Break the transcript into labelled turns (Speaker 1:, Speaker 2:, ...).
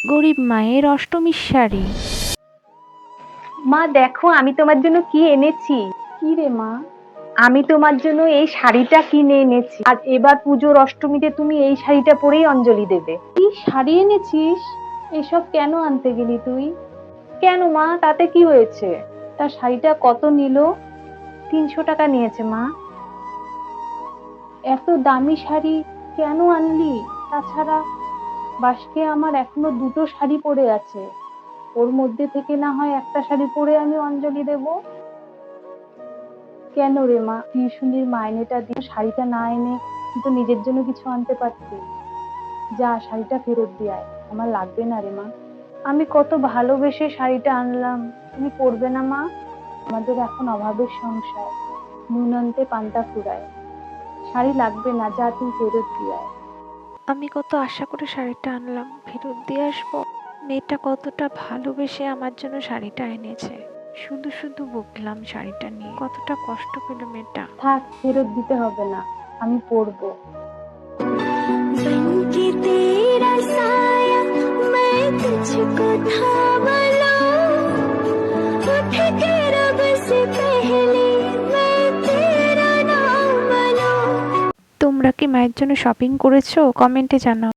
Speaker 1: গরিব মায়ের অষ্টমীর শাড়ি।
Speaker 2: মা দেখো আমি তোমার জন্য কি এনেছি।
Speaker 3: কি রে মা?
Speaker 2: আমি তোমার জন্য এই শাড়িটা কিনে এনেছি। আর এবার পুজোর অষ্টমীতে তুমি এই শাড়িটা পরেই অঞ্জলি দেবে।
Speaker 3: কি শাড়ি এনেছিস? এসব কেন আনতে গেলি তুই?
Speaker 2: কেন মা, তাতে কি হয়েছে?
Speaker 3: তা শাড়িটা কত নিল?
Speaker 2: 300 টাকা নিয়েছে মা।
Speaker 3: এত দামি শাড়ি কেন আনলি? তাছাড়া বাসকে আমার এখনো দুটো শাড়ি পরে আছে, ওর মধ্যে থেকে না হয় একটা শাড়ি পরে আমি অঞ্জলি দেব। কেন রে মা, টিউশনির মাইনেটা দিয়ে শাড়িটা না এনে তুই তো নিজের জন্য কিছু আনতে পারতি। যা, শাড়িটা ফেরত দিয়ে আয়, আমার লাগবে না রে মা।
Speaker 2: আমি কত ভালোবেসে শাড়িটা আনলাম, তুমি পরবে না মা?
Speaker 3: আমাদের এখন অভাবের সংসার, নুন আনতে পান্তা ফুরায়। শাড়ি লাগবে না, যা তুই ফেরত দিয়ে আয়।
Speaker 1: আমি কত আশা করে শাড়িটা আনলাম, ফেরত দিয়ে আসবো। মেয়েটা কতটা ভালোবেসে আমার জন্য শাড়িটা এনেছে, শুধু শুধু বকলাম শাড়িটা নিয়ে। কতটা কষ্ট পেল মেয়েটা।
Speaker 3: থাক, ফেরত দিতে হবে না, আমি পরবো।
Speaker 4: बनके तेरा साया मैं तुझको थामा लूं, उठ के रब से पहले मैं तेरा नाम लूं।
Speaker 1: তোমরা কি মায়ের জন্য শপিং করেছো? কমেন্টে জানাও।